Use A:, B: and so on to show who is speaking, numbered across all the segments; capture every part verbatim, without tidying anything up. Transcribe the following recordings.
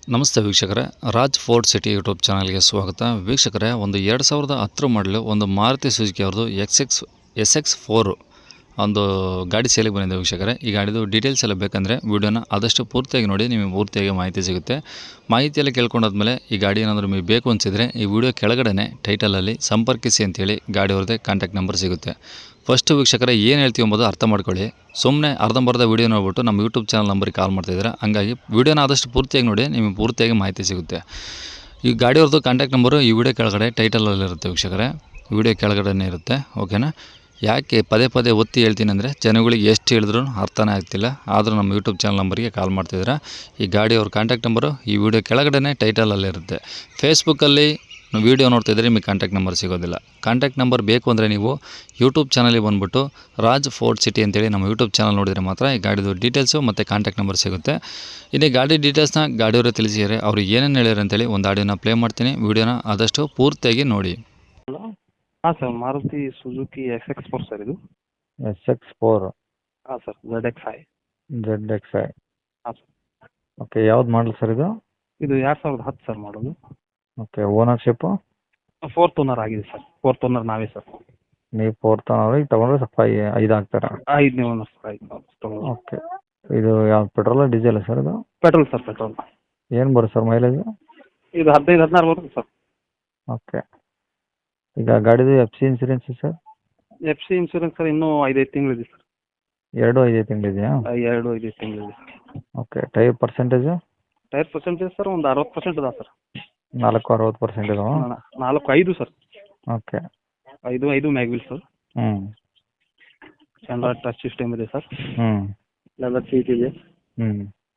A: ನಮಸ್ತೆ ವೀಕ್ಷಕರೇ, Raj fort city YouTube ಚಾನಲ್ಗೆ ಸ್ವಾಗತ. ವೀಕ್ಷಕರೇ, ಒಂದು ಎರಡು ಸಾವಿರದ ಹತ್ತರ ಮಾಡಲು ಒಂದು ಮಾರುತಿ ಸುಜುಕಿ ಅವ್ರದ್ದು X X S X four ಒಂದು ಗಾಡಿ ಸೇಲಿಗೆ ಬಂದಿದೆ ವೀಕ್ಷಕರೇ. ಈ ಗಾಡಿದು ಡೀಟೇಲ್ಸ್ ಎಲ್ಲ ಬೇಕಂದರೆ ವೀಡಿಯೋನ ಆದಷ್ಟು ಪೂರ್ತಿಯಾಗಿ ನೋಡಿ, ನಿಮಗೆ ಪೂರ್ತಿಯಾಗಿ ಮಾಹಿತಿ ಸಿಗುತ್ತೆ. ಮಾಹಿತಿಯೆಲ್ಲ ಕೇಳ್ಕೊಂಡಾದ್ಮೇಲೆ ಈ ಗಾಡಿ ಏನಾದರೂ ನಿಮಗೆ ಬೇಕು ಅನಿಸಿದರೆ ಈ ವಿಡಿಯೋ ಕೆಳಗಡೆ ಟೈಟಲಲ್ಲಿ ಸಂಪರ್ಕಿಸಿ ಅಂತೇಳಿ ಗಾಡಿ ಅವ್ರದ್ದೇ ಕಾಂಟ್ಯಾಕ್ಟ್ ನಂಬರ್ ಸಿಗುತ್ತೆ. ಫಸ್ಟು ವೀಕ್ಷಕರೇ, ಏನು ಹೇಳ್ತೀವಿ ಎಂಬುದು ಅರ್ಥ ಮಾಡ್ಕೊಳ್ಳಿ. ಸುಮ್ಮನೆ ಅರ್ಧಂಬರ್ಧ ವೀಡಿಯೋ ನೋಡ್ಬಿಟ್ಟು ನಮ್ಮ ಯೂಟ್ಯೂಬ್ ಚಾನಲ್ ನಂಬರಿಗೆ ಕಾಲ್ ಮಾಡ್ತಾಯಿದ್ದಾರೆ. ಹಂಗಾಗಿ ವೀಡಿಯೋನ ಆದಷ್ಟು ಪೂರ್ತಿಯಾಗಿ ನೋಡಿ, ನಿಮಗೆ ಪೂರ್ತಿಯಾಗಿ ಮಾಹಿತಿ ಸಿಗುತ್ತೆ. ಈ ಗಾಡಿಯವ್ರದ್ದು ಕಾಂಟ್ಯಾಕ್ಟ್ ನಂಬರು ಈ ವಿಡಿಯೋ ಕೆಳಗಡೆ ಟೈಟಲಲ್ಲಿರುತ್ತೆ ವೀಕ್ಷಕರೇ, ವಿಡಿಯೋ ಕೆಳಗಡೆ ಇರುತ್ತೆ. ಓಕೆನಾ? ಯಾಕೆ ಪದೇ ಪದೇ ಒತ್ತಿ ಹೇಳ್ತೀನಿ ಅಂದರೆ ಜನಗಳಿಗೆ ಎಷ್ಟು ಹೇಳಿದ್ರು ಅರ್ಥನೇ ಆಗ್ತಿಲ್ಲ. ಆದರೂ ನಮ್ಮ ಯೂಟ್ಯೂಬ್ ಚಾನಲ್ ನಂಬರಿಗೆ ಕಾಲ್ ಮಾಡ್ತಿದ್ದೀರಾ. ಈ ಗಾಡಿಯವ್ರ ಕಾಂಟ್ಯಾಕ್ಟ್ ನಂಬರು ಈ ವಿಡಿಯೋ ಕೆಳಗಡೆ ಟೈಟಲಲ್ಲಿರುತ್ತೆ. ಫೇಸ್ಬುಕ್ಕಲ್ಲಿ ವೀಡಿಯೋ ನೋಡ್ತಿದ್ರೆ ನಿಮಗೆ ಕಾಂಟ್ಯಾಕ್ಟ್ ನಂಬರ್ ಸಿಗೋದಿಲ್ಲ. ಕಾಂಟ್ಯಾಕ್ಟ್ ನಂಬರ್ ಬೇಕು ಅಂದರೆ ನೀವು ಯೂಟ್ಯೂಬ್ ಚಾನಲಿಗೆ ಬಂದುಬಿಟ್ಟು ರಾಜ್ ಫೋರ್ಟ್ ಸಿಟಿ ಅಂತೇಳಿ ನಮ್ಮ ಯೂಟ್ಯೂಬ್ ಚಾನಲ್ ನೋಡಿದರೆ ಮಾತ್ರ ಈ ಗಾಡಿದು ಡೀಟೇಲ್ಸು ಮತ್ತು ಕಾಂಟ್ಯಾಕ್ಟ್ ನಂಬರ್ ಸಿಗುತ್ತೆ. ಇನ್ನು ಗಾಡಿ ಡೀಟೇಲ್ಸ್ನ ಗಾಡಿಯವರೇ ತಿಳಿಸಿದ್ದಾರೆ. ಅವರು ಏನೇನು ಹೇಳ್ಯಾರ ಅಂತೇಳಿ ಒಂದು ಆಡಿಯೋನ ಪ್ಲೇ ಮಾಡ್ತೀನಿ. ವೀಡಿಯೋನ ಆದಷ್ಟು ಪೂರ್ತಿಯಾಗಿ ನೋಡಿ.
B: ಹಲೋ, ಹಾಂ sir, Maruti Suzuki X X four sir ಇದು.
C: ಎಸ್ ಎಕ್ಸ್ ಫೋರ್
B: ಹಾಂ sir, Z X I.
C: Z X I.
B: ಹಾಂ ಸರ್,
C: ಓಕೆ, ಯಾವ್ದು ಮಾಡಲ್ ಸರ್ ಇದು?
B: ಇದು ಎರಡು ಸಾವಿರದ ಹತ್ತು ಸರ್ ಮಾಡೋದು.
C: Okay, ownership?
B: ಫೋರ್ತ್ ಓನರ್ ಆಗಿದೆ ಸರ್. ಫೋರ್ತ್ ಓನರ್ ನಾವೇ ಸರ್.
C: ನೀವು ಫೋರ್ತ್ ಓನರ್, ಈಗ ತೊಗೊಂಡ್ರೆ ಸ್ವಲ್ಪ ಐ- ಐದು ಆಗ್ತಾರೆ.
B: ಐದನೇ ಓನರ್ ಸರ್. ಐದು ತೊಗೊಂಡು
C: ಓಕೆ, ಇದು ಯಾವ್ದು ಪೆಟ್ರೋಲ ಡೀಸೆಲ್ ಸರ್ ಇದು?
B: Petrol sir, petrol.
C: ಏನು ಬರುತ್ತೆ ಸರ್ ಮೈಲೇಜ್?
B: ಇದು ಹದಿನೈದು ಹದಿನಾರು ಬರುತ್ತೆ ಸರ್.
C: ಓಕೆ, ಈಗ ಗಾಡಿದು F C insurance sir?
B: F C insurance sir ಇನ್ನೂ ಐದೈದು ತಿಂಗಳಿದೆ ಸರ್.
C: ಎರಡು ಐದೈದು ತಿಂಗಳಿದೆಯಾ?
B: ಎರಡು ಐದೈದು ತಿಂಗಳಿದೆ sir.
C: Okay, tyre percentage?
B: Tyre percentage sir ಒಂದು ಅರವತ್ತು ಪರ್ಸೆಂಟ್ ಅದ ಸರ್.
C: ನಾಲ್ಕು ಅರವತ್ತು ಪರ್ಸೆಂಟ್ ಇದಾವ?
B: ನಾಲ್ಕು ಐದು ಸರ್.
C: ಓಕೆ.
B: ಐದು ಐದು ಮ್ಯಾಗ್ವಿಲ್ ಸರ್.
C: ಹ್ಞೂ
B: ಆಂಡ್ರಾಯ್ಡ್ ಟಚ್ ಸಿಸ್ಟಮ್ ಇದೆ ಸರ್.
C: ಹ್ಞೂ
B: ಲೆದರ್ ಸೀಟ್ ಇದೆ.
C: ಹ್ಞೂ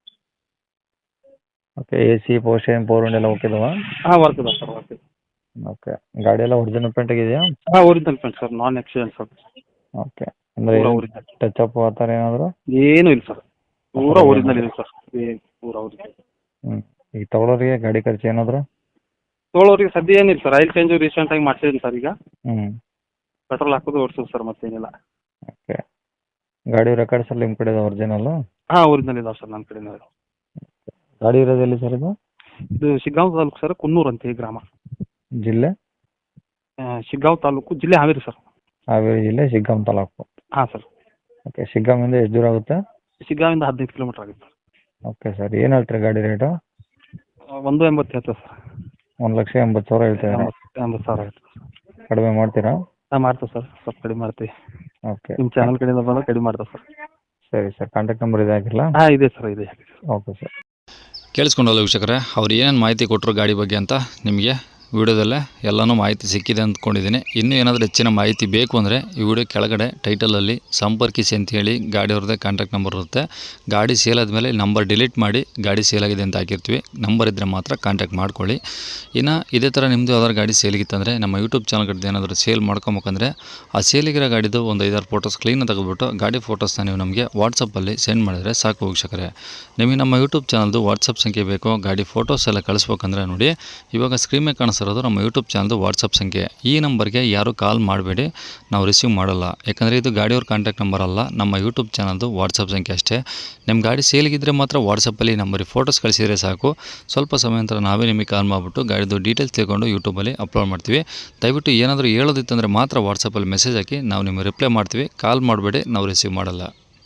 C: ಓಕೆ, ಎ ಸಿ ಪೋರ್ಷನ್ ಪೋರ್ ಎಲ್ಲ ಓಕೆ ಇದಾವ?
B: ಹಾಂ, ವರ್ಕ್ ಇದೆ ಸರ್, ವರ್ಕ್ ಇದೆ.
C: ಓಕೆ, ಗಾಡಿ ಎಲ್ಲ ಒರಿಜಿನಲ್ ಪೇಂಟ್ ಆಗಿದೆಯಾ?
B: ಹಾಂ, original paint sir, non accident sir.
C: Okay, ಅಂದರೆ
B: ಪೂರಾ ಒರಿಜಿನಲ್.
C: ಟಚ್ ಅಪ್ ಆ ಥರ ಏನಾದರೂ?
B: ಏನೂ ಇಲ್ಲ ಸರ್, ಪೂರಾ ಒರಿಜಿನಲ್ ಇದೆ ಸರ್. ಏನು ಪೂರಾ ಒರಿಜಿನಲ್.
C: ಹ್ಞೂ ಈಗ ತೊಗೊಳೋರಿಗೆ ಗಾಡಿ ಖರ್ಚು ಏನಾದರೂ?
B: ತೊಗೊಳೋರಿಗೆ ಸದ್ಯ ಏನಿಲ್ಲ ಸರ್. ಆಯಿಲ್ ಚೇಂಜು ರೀಸೆಂಟಾಗಿ ಮಾಡ್ಸಿದ್ದೀನಿ ಸರ್. ಈಗ
C: ಹ್ಞೂ
B: ಪೆಟ್ರೋಲ್ ಹಾಕೋದು ಓಡಿಸೋದು ಸರ್, ಮತ್ತೇನಿಲ್ಲ.
C: ಓಕೆ, ಗಾಡಿ ರೆಕಾರ್ಡ್ಸ್ ಎಲ್ಲ ನಿಮ್ಮ ಕಡೆ ಇದೆ ಒರಿಜಿನಲ್ಲು?
B: ಹಾಂ, ಒರಿಜಿನಲ್ ಇದಾವೆ ಸರ್ ನನ್ನ ಕಡೆನೇ.
C: ಗಾಡಿ ಇರೋದು ಎಲ್ಲಿ ಸರ್ ಇದು?
B: ಇದು ಶಿಗ್ಗಾಂವ್ ತಾಲೂಕು ಸರ್, ಕುನ್ನೂರು ಅಂತ ಈ ಗ್ರಾಮ.
C: ಜಿಲ್ಲೆ?
B: ಆ, ಶಿಗ್ಗಾಂವ್ ತಾಲೂಕು, ಜಿಲ್ಲೆ ಹಾವೇರಿ ಸರ್.
C: ಹಾವೇರಿ ಜಿಲ್ಲೆ, ಶಿಗ್ಗಾಂವ್ ತಾಲೂಕು.
B: ಹಾಂ ಸರ್.
C: ಓಕೆ, ಶಿಗ್ಗಾಂವಿಂದ ಎಷ್ಟು ದೂರ ಆಗುತ್ತೆ?
B: ಶಿಗ್ಗಾಂವಿಂದ ಹದಿನೈದು ಕಿಲೋಮೀಟ್ರ್ ಆಗುತ್ತೆ ಸರ್.
C: ಓಕೆ ಸರ್, ಏನು ಹೇಳ್ತೀರಿ ಗಾಡಿ ರೇಟು?
B: ಆ, ಒಂದು ಎಂಬತ್ತು ಹೇಳ್ತೇವೆ ಸರ್.
C: ಒಂದು ಲಕ್ಷ ಎಂಬತ್ತು ಸಾವಿರ ಹೇಳ್ತೀರಾ?
B: ಎಂಬತ್ತು ಎಂಬತ್ತು ಸಾವಿರ ಆಯ್ತು ಸರ್.
C: ಕಡಿಮೆ ಮಾಡ್ತೀರಾ?
B: ಹಾಂ, ಮಾಡ್ತೇವೆ ಸರ್, ಸ್ವಲ್ಪ ಕಡಿಮೆ ಮಾಡ್ತೀವಿ.
C: ಓಕೆ,
B: ನಿಮ್ಮ ಚಾನಲ್ ಕಡೆಯಿಂದ ಬಂದಾಗ ಕಡಿಮೆ ಮಾಡ್ತೇವೆ ಸರ್.
C: ಸರಿ ಸರ್, ಕಾಂಟ್ಯಾಕ್ಟ್ ನಂಬರ್ ಇದೆ ಹಾಕಿರಲಾ?
B: ಹಾಂ, ಇದೆ ಸರ್, ಇದೆ.
C: Okay sir.
A: ಕೇಳಿಸ್ಕೊಂಡಲ್ಲ ವೀಕ್ಷಕರೇ, ಅವ್ರು ಏನೇನು ಮಾಹಿತಿ ಕೊಟ್ಟರು ಗಾಡಿ ಬಗ್ಗೆ ಅಂತ ನಿಮಗೆ ವಿಡಿಯೋದಲ್ಲೇ ಎಲ್ಲನೂ ಮಾಹಿತಿ ಸಿಕ್ಕಿದೆ ಅಂದ್ಕೊಂಡಿದ್ದೀನಿ. ಇನ್ನೂ ಏನಾದರೂ ಹೆಚ್ಚಿನ ಮಾಹಿತಿ ಬೇಕು ಅಂದರೆ ಈ ವಿಡಿಯೋ ಕೆಳಗಡೆ ಟೈಟಲಲ್ಲಿ ಸಂಪರ್ಕಿಸಿ ಅಂತೇಳಿ ಗಾಡಿಯವ್ರದ್ದೇ ಕಾಂಟ್ಯಾಕ್ಟ್ ನಂಬರ್ ಇರುತ್ತೆ. ಗಾಡಿ ಸೇಲ್ ಆದಮೇಲೆ ನಂಬರ್ ಡಿಲೀಟ್ ಮಾಡಿ ಗಾಡಿ ಸೇಲ್ ಆಗಿದೆ ಅಂತ ಹಾಕಿರ್ತೀವಿ. ನಂಬರ್ ಇದ್ದರೆ ಮಾತ್ರ ಕಾಂಟ್ಯಾಕ್ಟ್ ಮಾಡ್ಕೊಳ್ಳಿ. ಇನ್ನು ಇದೇ ಥರ ನಿಮ್ಮದು ಯಾವ್ದಾದ್ರು ಗಾಡಿ ಸೇಲಿಗಿತ್ತಂದರೆ ನಮ್ಮ ಯೂಟ್ಯೂಬ್ ಚಾನಲ್ ಕಡೆ ಏನಾದರೂ ಸೇಲ್ ಮಾಡ್ಕೊಬೇಕಂದ್ರೆ ಆ ಸೇಲಿಗಿರೋ ಗಾಡಿದು ಒಂದು ಐದಾರು ಫೋಟೋಸ್ ಕ್ಲೀನಾಗಿ ತೆಗೆದುಬಿಟ್ಟು ಗಾಡಿ ಫೋಟೋಸ್ನ ನೀವು ನಮಗೆ ವಾಟ್ಸಪ್ಪಲ್ಲಿ ಸೆಂಡ್ ಮಾಡಿದರೆ ಸಾಕು ವೀಕ್ಷಕರೇ. ನಿಮಗೆ ನಮ್ಮ ಯೂಟ್ಯೂಬ್ ಚಾನಲ್ದು ವಾಟ್ಸಪ್ ಸಂಖ್ಯೆ ಬೇಕು, ಗಾಡಿ ಫೋಟೋಸ್ ಎಲ್ಲ ಕಳಿಸ್ಬೇಕಂದ್ರೆ ನೋಡಿ, ಇವಾಗ ಸ್ಕ್ರೀನ್ ಮೇಲೆ ಕಾಣಿಸ್ತಿರೋದು ನಮ್ಮ ಯೂಟ್ಯೂಬ್ ಚಾನಲ್ದು ವಾಟ್ಸಪ್ ಸಂಖ್ಯೆ. ಈ ನಂಬರ್ಗೆ ಯಾರು ಕಾಲ್ ಮಾಡಬೇಡಿ, ನಾವು ರಿಸೀವ್ ಮಾಡಲ್ಲ. ಯಾಕಂದರೆ ಇದು ಗಾಡಿಯವ್ರ ಕಾಂಟ್ಯಾಕ್ಟ್ ನಂಬರ್ ಅಲ್ಲ, ನಮ್ಮ ಯೂಟ್ಯೂಬ್ ಚಾನಲ್ದು ವಾಟ್ಸಪ್ ಸಂಖ್ಯೆ ಅಷ್ಟೇ. ನಿಮ್ಮ ಗಾಡಿ ಸೇಲಿಗಿದ್ದರೆ ಮಾತ್ರ ವಾಟ್ಸಪ್ಪಲ್ಲಿ ನಂಬರಿಗೆ ಫೋಟೋಸ್ ಕಳಿಸಿದರೆ ಸಾಕು. ಸ್ವಲ್ಪ ಸಮಯ ನಂತರ ನಾವೇ ನಿಮಗೆ ಕಾಲ್ ಮಾಡಿಬಿಟ್ಟು ಗಾಡಿದು ಡೀಟೇಲ್ಸ್ ತಿಳ್ಕೊಂಡು ಯೂಟ್ಯೂಬಲ್ಲಿ ಅಪ್ಲೋಡ್ ಮಾಡ್ತೀವಿ. ದಯವಿಟ್ಟು ಏನಾದರೂ ಹೇಳೋದಿತ್ತಂದರೆ ಮಾತ್ರ ವಾಟ್ಸಪ್ಪಲ್ಲಿ ಮೆಸೇಜ್ ಹಾಕಿ, ನಾವು ನಿಮಗೆ ರಿಪ್ಲೈ ಮಾಡ್ತೀವಿ. ಕಾಲ್ ಮಾಡಬೇಡಿ, ನಾವು ರಿಸೀವ್ ಮಾಡಲ್ಲ.